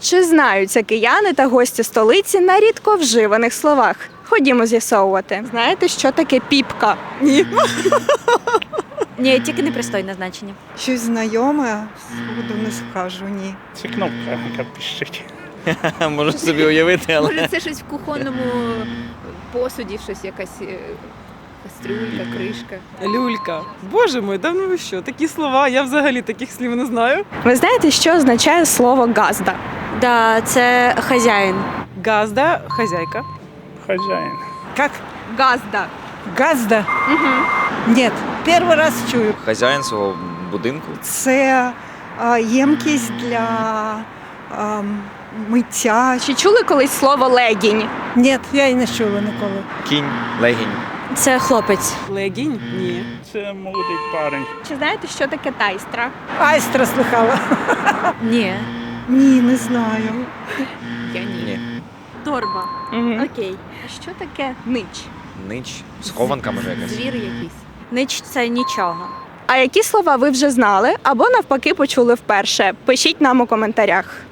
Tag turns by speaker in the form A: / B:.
A: Чи знаються кияни та гості столиці на рідко вживаних словах? Ходімо з'ясовувати. Знаєте, що таке піпка?
B: Ні.
C: Ні, тільки непристойне значення.
B: Щось знайоме, сходу не скажу, ні.
D: Це кнопка, яка пищить.
E: Можу собі уявити, але
F: Може, це щось в кухонному посуді, щось якась кастрюлька, кришка.
G: Люлька. Боже мой, да ну ви що? Такі слова, я взагалі таких слів не знаю.
A: Ви знаєте, що означає слово газда?
C: Да, це хазяїн.
G: Газда, хазяйка.
D: Хазяїн.
B: Как?
A: Газда.
B: Газда? Ні, перший раз чую.
E: хазяїн свого будинку.
B: Це ємкість для миття.
A: Чи чули колись слово легінь?
B: Ні, я і не чула ніколи.
E: Кінь, легінь.
C: Це хлопець.
G: Легінь? Ні.
D: Це молодий парень.
A: Чи знаєте, що таке тайстра?
B: Айстра слухала.
C: Ні.
B: Ні, не знаю.
F: Я ні.
E: Ні.
C: Торба. Окей.
A: А що таке нич?
E: Нич. Схованка може якась.
F: Звір якийсь.
C: Нич це нічого.
A: А які слова ви вже знали або навпаки почули вперше? Пишіть нам у коментарях.